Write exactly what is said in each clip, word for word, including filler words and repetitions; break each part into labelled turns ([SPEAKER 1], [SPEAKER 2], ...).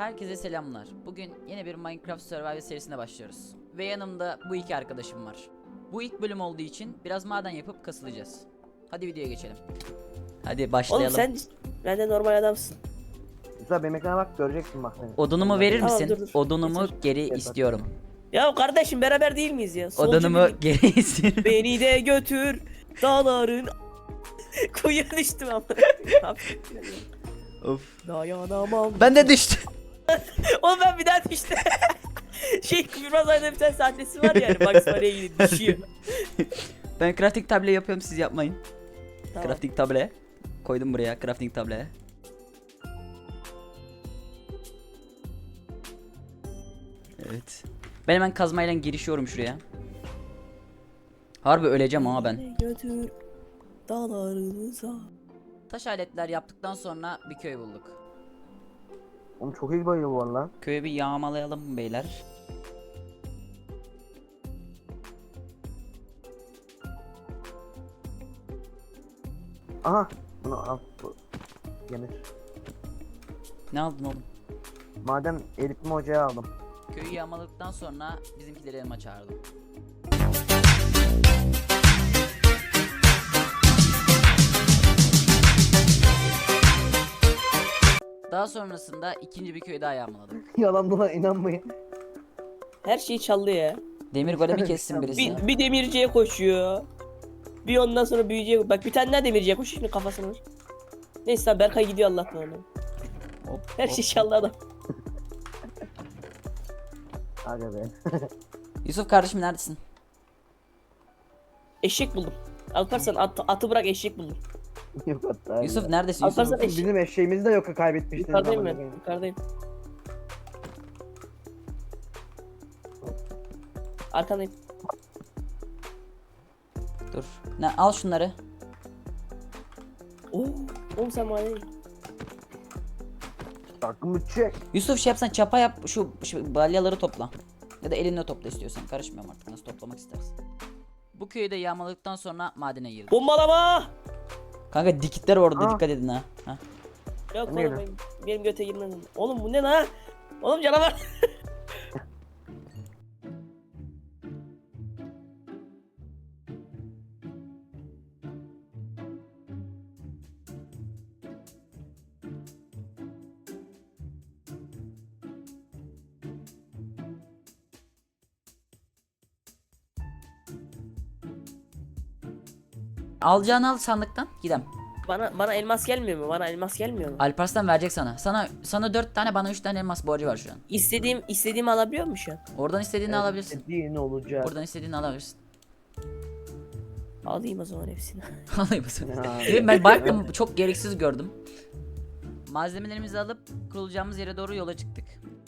[SPEAKER 1] Herkese selamlar. Bugün yeni bir Minecraft Survival serisine başlıyoruz. Ve yanımda bu iki arkadaşım var. Bu ilk bölüm olduğu için biraz maden yapıp kasılacağız. Hadi videoya geçelim. Hadi başlayalım.
[SPEAKER 2] Oğlum sen benden normal adamsın.
[SPEAKER 3] Güzel, benim ekrana bak, göreceksin bak seni.
[SPEAKER 1] Odunumu verir
[SPEAKER 2] Tamam,
[SPEAKER 1] misin?
[SPEAKER 2] dur, dur.
[SPEAKER 1] Odunumu
[SPEAKER 2] Getir.
[SPEAKER 1] geri
[SPEAKER 3] Getir.
[SPEAKER 1] istiyorum.
[SPEAKER 2] Ya kardeşim beraber değil miyiz ya? Solcu
[SPEAKER 1] Odunumu
[SPEAKER 2] birlik.
[SPEAKER 1] geri istiyorum.
[SPEAKER 2] Beni de götür dağların kuyuya düştüm ama.
[SPEAKER 1] Of.
[SPEAKER 2] Dayanamam.
[SPEAKER 1] Ben de düştüm.
[SPEAKER 2] Oğlum ben bir daha düştüm. Şey Kıbrıs ayda bir tane sahnesi var yani. Bugs Bunny'e gidip düşüyor.
[SPEAKER 1] Ben crafting table yapıyorum, siz yapmayın.
[SPEAKER 2] Tamam.
[SPEAKER 1] Crafting table. Koydum buraya crafting table. Evet. Ben hemen kazmayla girişiyorum şuraya. Harbi öleceğim ama ben.
[SPEAKER 2] Beni götür dağlarınıza.
[SPEAKER 1] Taş aletler yaptıktan sonra bir köy bulduk.
[SPEAKER 3] Oğlum çok iyi bayılıyor bu arada lan.
[SPEAKER 1] Köyü bir yağmalayalım beyler.
[SPEAKER 3] Aha, bunu al, bu yenir.
[SPEAKER 1] Ne aldın oğlum?
[SPEAKER 3] Madem eritme ocağı aldım.
[SPEAKER 1] Köyü yağmaladıktan sonra bizimkileri elma çağırdım. Daha sonrasında ikinci bir köy daha yağmaladım.
[SPEAKER 3] Yalan dolan inanmayın.
[SPEAKER 2] Her şeyi çaldı ya.
[SPEAKER 1] Demir golemi kessin birisi.
[SPEAKER 2] Bir, bir demirciye koşuyor. Bir ondan sonra büyüyecek. Bak bir tane daha demirciye koşuyor şimdi kafasına vur. Neyse lan Berkay gidiyor Allah'tan ona.
[SPEAKER 1] Hop,
[SPEAKER 2] Her
[SPEAKER 1] hop.
[SPEAKER 2] şey çaldı adam.
[SPEAKER 3] Aga be.
[SPEAKER 1] Yusuf kardeşim neredesin?
[SPEAKER 2] Eşek buldum. Alparslan at, atı bırak eşek buldum.
[SPEAKER 3] Yok hatta.
[SPEAKER 1] Yusuf neredesin Yusuf?
[SPEAKER 2] Alparslan eşek.
[SPEAKER 3] Bizim eşeğimizi de yok kaybetmiştiniz.
[SPEAKER 2] Yukarıdayım
[SPEAKER 3] ama.
[SPEAKER 2] ben. Yukarıdayım. Arkandayım.
[SPEAKER 1] Dur. Ne, al şunları.
[SPEAKER 2] Oo, oğlum sen maden.
[SPEAKER 3] Takımı çek.
[SPEAKER 1] Yusuf şey yapsan çapa yap, şu, şu balyaları topla. Ya da elinle topla istiyorsan. Karışmıyorum artık, nasıl toplamak istersin. Bu köyü de yağmaladıktan sonra madene girdim.
[SPEAKER 2] Bombalama!
[SPEAKER 1] Kanka dikitler orada,
[SPEAKER 3] Aa.
[SPEAKER 1] dikkat edin ha. ha.
[SPEAKER 2] Yok
[SPEAKER 3] Ne
[SPEAKER 2] oğlum benim, benim göte girmez. Oğlum bu ne lan? Oğlum canavar.
[SPEAKER 1] Alacağını al sandıktan, gidem.
[SPEAKER 2] Bana bana elmas gelmiyor mu? Bana elmas gelmiyor mu?
[SPEAKER 1] Alparslan verecek sana. Sana sana dört tane, bana üç tane elmas borcu var şu an.
[SPEAKER 2] İstediğim istediğimi alabiliyor mu şu an?
[SPEAKER 1] Oradan istediğini alabilirsin.
[SPEAKER 3] Dediğin olacak.
[SPEAKER 1] Oradan istediğini alabilirsin.
[SPEAKER 2] Alayım o zaman hepsini.
[SPEAKER 1] Alayım mısın?
[SPEAKER 3] Ya.
[SPEAKER 1] Ben baktım, çok gereksiz gördüm. Malzemelerimizi alıp kurulacağımız yere doğru yola çıktık.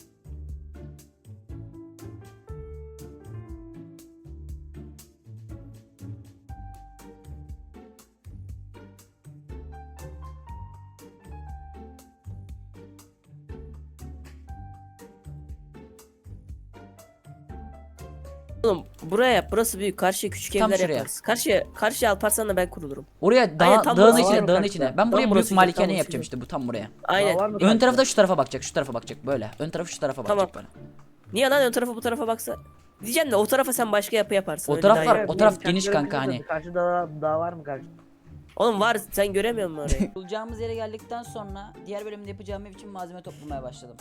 [SPEAKER 2] Oğlum buraya yap. Burası büyük. Karşıya küçük
[SPEAKER 1] Tam
[SPEAKER 2] evler
[SPEAKER 1] şuraya.
[SPEAKER 2] yaparız. Karşıya karşıya Alparslan'la ben kurulurum.
[SPEAKER 1] Oraya dağ,
[SPEAKER 2] Aynen, tam
[SPEAKER 1] dağın
[SPEAKER 2] burası
[SPEAKER 1] içine,
[SPEAKER 3] var
[SPEAKER 1] dağın
[SPEAKER 3] mı
[SPEAKER 1] içine.
[SPEAKER 3] kanka?
[SPEAKER 1] Ben buraya
[SPEAKER 2] Tam
[SPEAKER 1] büyük
[SPEAKER 2] burası,
[SPEAKER 1] malikane
[SPEAKER 2] tam burası.
[SPEAKER 1] yapacağım işte, bu tam buraya.
[SPEAKER 2] Aynen.
[SPEAKER 3] Var mı
[SPEAKER 1] Ön
[SPEAKER 3] kanka?
[SPEAKER 1] tarafı da şu tarafa bakacak, şu tarafa bakacak böyle. Ön tarafı şu tarafa bakacak
[SPEAKER 2] Tamam.
[SPEAKER 1] böyle.
[SPEAKER 2] Niye lan ön tarafa bu tarafa baksa? Diyeceğim de o tarafa sen başka yapı yaparsın.
[SPEAKER 1] O
[SPEAKER 2] öyle
[SPEAKER 1] taraf
[SPEAKER 2] daha
[SPEAKER 1] var,
[SPEAKER 2] iyi.
[SPEAKER 1] o taraf
[SPEAKER 3] Benim
[SPEAKER 1] geniş
[SPEAKER 3] kendilerim
[SPEAKER 1] kanka
[SPEAKER 3] bilmiyorum.
[SPEAKER 1] hani.
[SPEAKER 3] Karşıda dağ, dağ var mı karşı?
[SPEAKER 2] Oğlum var sen göremiyor musun orayı?
[SPEAKER 1] Bulacağımız yere geldikten sonra diğer bölümde yapacağım ev için malzeme toplamaya başladım.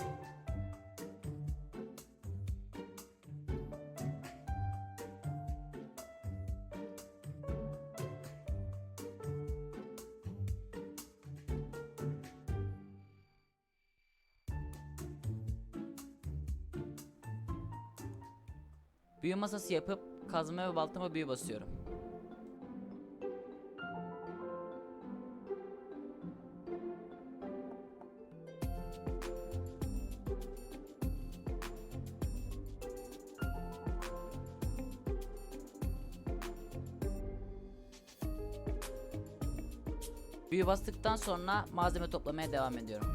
[SPEAKER 1] Büyü masası yapıp kazma ve baltama büyü basıyorum. Büyü bastıktan sonra malzeme toplamaya devam ediyorum.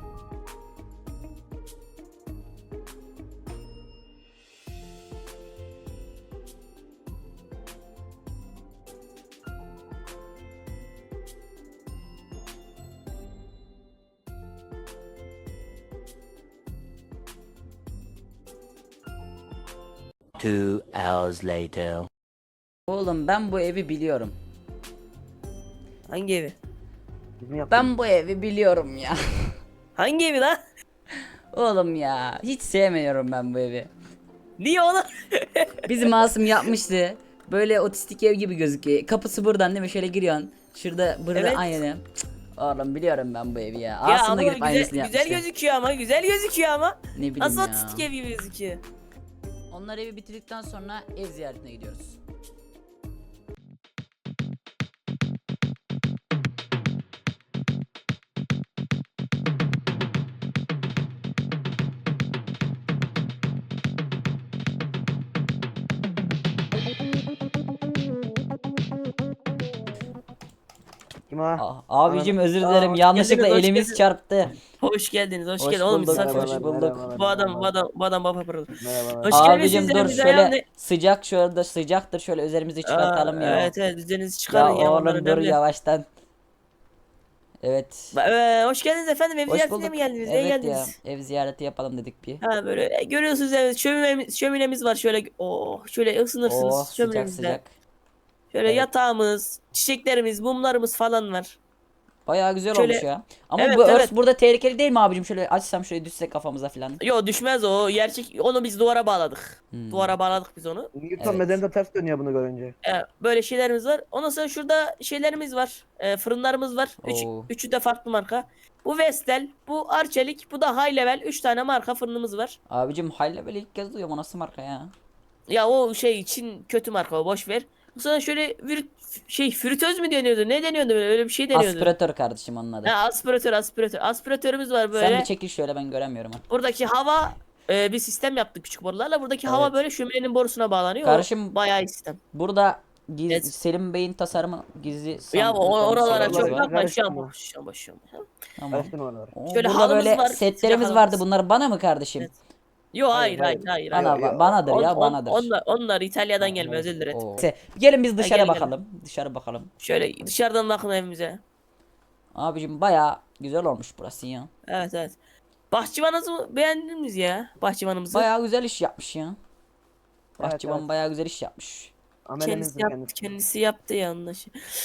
[SPEAKER 4] Two hours later.
[SPEAKER 1] Oğlum ben bu evi biliyorum.
[SPEAKER 2] Hangi evi?
[SPEAKER 3] Biz mi yaptık?
[SPEAKER 1] Ben bu evi biliyorum ya.
[SPEAKER 2] Hangi evi lan?
[SPEAKER 1] Oğlum ya hiç sevmiyorum ben bu evi.
[SPEAKER 2] Niye oğlum?
[SPEAKER 1] Bizim Asım yapmıştı. Böyle otistik ev gibi gözüküyor. Kapısı buradan değil mi? Şöyle giriyorsun. Şurada burada
[SPEAKER 2] Evet.
[SPEAKER 1] aynı. Cık, oğlum biliyorum ben bu evi ya.
[SPEAKER 2] Ya
[SPEAKER 1] Asım da
[SPEAKER 2] ama
[SPEAKER 1] gidip
[SPEAKER 2] güzel,
[SPEAKER 1] aynısını
[SPEAKER 2] güzel
[SPEAKER 1] yapmıştı.
[SPEAKER 2] gözüküyor ama güzel gözüküyor ama.
[SPEAKER 1] Ne bileyim
[SPEAKER 2] Nasıl
[SPEAKER 1] ya.
[SPEAKER 2] otistik ev gibi gözüküyor?
[SPEAKER 1] Onlar evi bitirdikten sonra ev ziyaretine gidiyoruz.
[SPEAKER 3] Kim o?
[SPEAKER 1] Aa, abicim özür
[SPEAKER 2] Aa,
[SPEAKER 1] dilerim
[SPEAKER 2] hoş
[SPEAKER 1] yanlışlıkla
[SPEAKER 2] geldiniz, hoş
[SPEAKER 1] elimiz
[SPEAKER 2] geldiniz.
[SPEAKER 1] çarptı.
[SPEAKER 2] Hoş geldiniz, hoş,
[SPEAKER 1] Hoş
[SPEAKER 2] geldin. Oğlum
[SPEAKER 1] bulduk,
[SPEAKER 2] misafir.
[SPEAKER 1] hoş bulduk.
[SPEAKER 2] Bu adam, bu adam, bu adam, bu adam baba pırıl.
[SPEAKER 3] Merhabalar.
[SPEAKER 2] Hoş
[SPEAKER 1] Abicim
[SPEAKER 2] geldiniz,
[SPEAKER 1] dur
[SPEAKER 2] bize
[SPEAKER 1] şöyle
[SPEAKER 2] ayağını-
[SPEAKER 1] sıcak şurada sıcaktır şöyle üzerimizi çıkartalım
[SPEAKER 2] Aa,
[SPEAKER 1] ya.
[SPEAKER 2] Evet evet üzerinizi
[SPEAKER 1] Ya
[SPEAKER 2] çıkarın ya. onlar
[SPEAKER 1] oğlum dur
[SPEAKER 2] önemli.
[SPEAKER 1] yavaştan. Evet.
[SPEAKER 2] Ba- ee, hoş geldiniz efendim. Ev
[SPEAKER 1] Hoş
[SPEAKER 2] ziyaretine
[SPEAKER 1] bulduk.
[SPEAKER 2] mi geldiniz? Neye
[SPEAKER 1] Evet ya
[SPEAKER 2] geldiniz?
[SPEAKER 1] ev ziyareti yapalım dedik bir.
[SPEAKER 2] Ha böyle e, görüyorsunuz evet şöminemiz, şöminemiz var şöyle oh şöyle ısınırsınız
[SPEAKER 1] Oh sıcak
[SPEAKER 2] şöminemizde.
[SPEAKER 1] sıcak.
[SPEAKER 2] Şöyle
[SPEAKER 1] Evet.
[SPEAKER 2] yatağımız, çiçeklerimiz, mumlarımız falan var.
[SPEAKER 1] Bayağı güzel
[SPEAKER 2] Şöyle-
[SPEAKER 1] olmuş ya. Ama
[SPEAKER 2] Evet,
[SPEAKER 1] bu örs
[SPEAKER 2] evet.
[SPEAKER 1] burada tehlikeli değil mi abicim? Şöyle açsam şöyle düşsek kafamıza falan.
[SPEAKER 2] Yo düşmez o gerçek onu biz duvara bağladık.
[SPEAKER 1] Hmm.
[SPEAKER 2] Duvara bağladık biz onu.
[SPEAKER 3] Newton
[SPEAKER 1] Evet.
[SPEAKER 3] bedeni de ters dönüyor bunu görünce.
[SPEAKER 2] Ee, böyle şeylerimiz var. Ondan sonra şurada şeylerimiz var. Ee, fırınlarımız var. Üç,
[SPEAKER 1] Oo.
[SPEAKER 2] üçü de farklı marka. Bu Vestel, bu Arçelik, bu da High Level. Üç tane marka fırınımız var.
[SPEAKER 1] Abicim halle böyle ilk kez duyuyorum o nasıl marka ya.
[SPEAKER 2] Ya o şey için kötü marka o boş ver. Sonra şöyle vir, şey fritöz mü deniyordu? Ne deniyordu böyle? Öyle bir şey deniyordu.
[SPEAKER 1] Aspiratör kardeşim onun adı.
[SPEAKER 2] Ha, aspiratör, aspiratör. Aspiratörümüz var böyle.
[SPEAKER 1] Sen bir çekil şöyle ben göremiyorum ha.
[SPEAKER 2] Buradaki hava e, bir sistem yaptık küçük borularla. Buradaki hava
[SPEAKER 1] Evet.
[SPEAKER 2] böyle şöminenin borusuna bağlanıyor.
[SPEAKER 1] Kardeşim-
[SPEAKER 2] O bayağı iyi sistem.
[SPEAKER 1] Burada giz,
[SPEAKER 2] Evet.
[SPEAKER 1] Selim Bey'in tasarımı gizli
[SPEAKER 2] Ya
[SPEAKER 1] sandıklı
[SPEAKER 2] o, oralara
[SPEAKER 1] şeylerimiz
[SPEAKER 2] çok
[SPEAKER 3] var.
[SPEAKER 2] bakma. Şu an
[SPEAKER 3] Karıştırma.
[SPEAKER 2] boş, şu an boş, şu an boş.
[SPEAKER 1] Tamam.
[SPEAKER 3] Karıştırma oraları.
[SPEAKER 1] Oo,
[SPEAKER 2] Şöyle
[SPEAKER 1] burada
[SPEAKER 2] halımız
[SPEAKER 1] böyle
[SPEAKER 2] var,
[SPEAKER 1] setlerimiz
[SPEAKER 2] sıcak
[SPEAKER 1] vardı.
[SPEAKER 2] halımız.
[SPEAKER 1] Bunlar bana mı kardeşim?
[SPEAKER 2] Evet. Yo hayır
[SPEAKER 3] Hayır,
[SPEAKER 2] hayır hayır.
[SPEAKER 3] hayır.
[SPEAKER 2] hayır.
[SPEAKER 1] Bana,
[SPEAKER 3] Yok, yok.
[SPEAKER 1] banadır
[SPEAKER 2] On-
[SPEAKER 1] ya
[SPEAKER 2] on-
[SPEAKER 1] banadır.
[SPEAKER 2] Onlar, onlar İtalya'dan
[SPEAKER 3] Ha,
[SPEAKER 2] gelme
[SPEAKER 3] evet.
[SPEAKER 2] özür dilerim.
[SPEAKER 1] Oo. Neyse, gelin biz dışarı
[SPEAKER 2] gel, gel.
[SPEAKER 1] bakalım. Dışarı bakalım.
[SPEAKER 2] Şöyle dışarıdan bakın evimize.
[SPEAKER 1] Abicim baya güzel olmuş burası ya.
[SPEAKER 2] Evet evet. Bahçıvanımızı beğendiniz ya. Bahçıvanımızı.
[SPEAKER 1] Baya güzel iş yapmış ya.
[SPEAKER 3] Evet,
[SPEAKER 1] Bahçıvan
[SPEAKER 3] evet.
[SPEAKER 1] baya güzel iş yapmış.
[SPEAKER 2] kendisi
[SPEAKER 3] Amelimizdir
[SPEAKER 2] yaptı,
[SPEAKER 3] kendisi.
[SPEAKER 2] kendisi yaptı yanlış.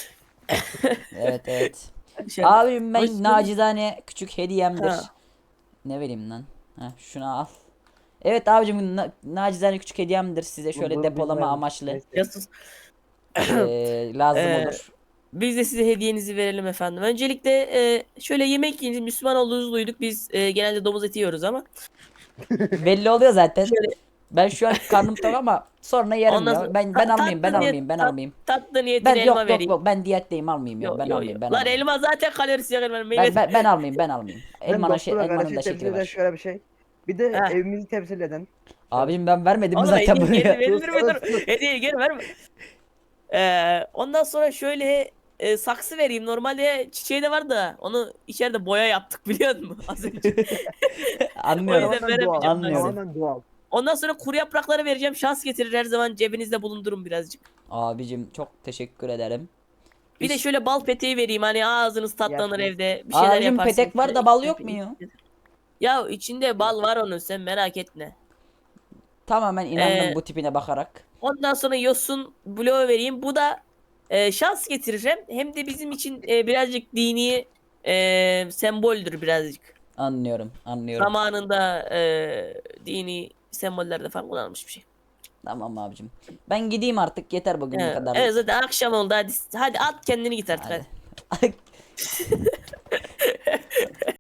[SPEAKER 1] Evet evet.
[SPEAKER 2] Şöyle-
[SPEAKER 1] Abim
[SPEAKER 2] Hoş
[SPEAKER 1] ben
[SPEAKER 2] geldin.
[SPEAKER 1] nacizane küçük hediyemdir.
[SPEAKER 2] Ha.
[SPEAKER 1] Ne vereyim lan? Heh, şunu al. Evet abicim na- nacizane küçük hediyemdir size şöyle
[SPEAKER 3] Bu- bu
[SPEAKER 1] depolama
[SPEAKER 3] bizim
[SPEAKER 1] amaçlı
[SPEAKER 3] neyse.
[SPEAKER 2] Ya sus.
[SPEAKER 1] eee, lazım
[SPEAKER 2] Ee,
[SPEAKER 1] olur.
[SPEAKER 2] Biz de size hediyenizi verelim efendim. Öncelikle e, şöyle yemek yiyiniz. Müslüman olduğunuzu duyduk. Biz e, genelde domuz eti yiyoruz ama.
[SPEAKER 1] Belli oluyor zaten.
[SPEAKER 2] Şöyle-
[SPEAKER 1] Ben şu an karnım tok ama sonra yerim
[SPEAKER 2] Ondan
[SPEAKER 1] ya.
[SPEAKER 2] sonra-
[SPEAKER 1] Ben ben
[SPEAKER 2] Ta-
[SPEAKER 1] almayayım, ben
[SPEAKER 2] tatlı niyet-
[SPEAKER 1] almayayım, ben
[SPEAKER 2] tat-
[SPEAKER 1] almayayım.
[SPEAKER 2] Tatlı niyetine
[SPEAKER 1] Ben
[SPEAKER 2] elma
[SPEAKER 1] yok yok
[SPEAKER 2] vereyim.
[SPEAKER 1] yok ben diyetteyim almayayım ya.
[SPEAKER 2] Yo,
[SPEAKER 1] Ben
[SPEAKER 2] yo,
[SPEAKER 1] almayayım,
[SPEAKER 2] yo.
[SPEAKER 1] ben
[SPEAKER 2] Lan
[SPEAKER 1] almayayım.
[SPEAKER 2] elma zaten kalorisi yakın.
[SPEAKER 1] Ben,
[SPEAKER 2] Meyve.
[SPEAKER 1] ben, ben almayayım, ben almayayım.
[SPEAKER 3] Ben
[SPEAKER 1] Elmanın şey,
[SPEAKER 3] doktora
[SPEAKER 1] elmanın
[SPEAKER 3] kardeşim
[SPEAKER 1] da şekli
[SPEAKER 3] temsil eden
[SPEAKER 1] var.
[SPEAKER 3] şöyle bir şey. Bir de
[SPEAKER 2] Heh.
[SPEAKER 3] evimizi temsil eden.
[SPEAKER 1] Abicim ben vermedim mi
[SPEAKER 2] Oğlum
[SPEAKER 1] zaten
[SPEAKER 2] hediye geri
[SPEAKER 1] buraya?
[SPEAKER 2] verilir mi?
[SPEAKER 3] Sus,
[SPEAKER 2] Dur.
[SPEAKER 3] sus.
[SPEAKER 2] Hediye geri verme. Ee, ondan sonra şöyle e, saksı vereyim. Normalde çiçeği de var da onu içeride boya yaptık biliyor musun? Az önce.
[SPEAKER 1] Anlıyorum.
[SPEAKER 2] O yüzden
[SPEAKER 3] Tamamen doğal.
[SPEAKER 2] veremeyeceğim
[SPEAKER 1] Anlıyorum.
[SPEAKER 3] Tamamen doğal.
[SPEAKER 2] Ondan sonra kuru yaprakları vereceğim. Şans getirir her zaman cebinizde bulundurun birazcık.
[SPEAKER 1] Abicim çok teşekkür ederim.
[SPEAKER 2] Bir de
[SPEAKER 1] Hiç-
[SPEAKER 2] şöyle bal peteği vereyim. Hani ağzınız tatlanır
[SPEAKER 3] Yapma.
[SPEAKER 2] evde. Bir şeyler
[SPEAKER 1] Abicim
[SPEAKER 2] yaparsınız.
[SPEAKER 1] petek var da bal yok mu ya?
[SPEAKER 2] Ya içinde bal var onun sen merak etme.
[SPEAKER 1] Tamamen inandım
[SPEAKER 2] Ee,
[SPEAKER 1] bu tipine bakarak.
[SPEAKER 2] Ondan sonra yosun bloğu vereyim. Bu da e, şans getirir hem, hem de bizim için e, birazcık dini e, semboldür birazcık.
[SPEAKER 1] Anlıyorum, anlıyorum.
[SPEAKER 2] Zamanında e, dini sembollerde falan kullanılmış bir şey.
[SPEAKER 1] Tamam abicim. Ben gideyim artık yeter bugün bu
[SPEAKER 2] Evet,
[SPEAKER 1] kadar.
[SPEAKER 2] evet, zaten akşam oldu hadi, hadi at kendini git artık hadi.
[SPEAKER 1] Hadi.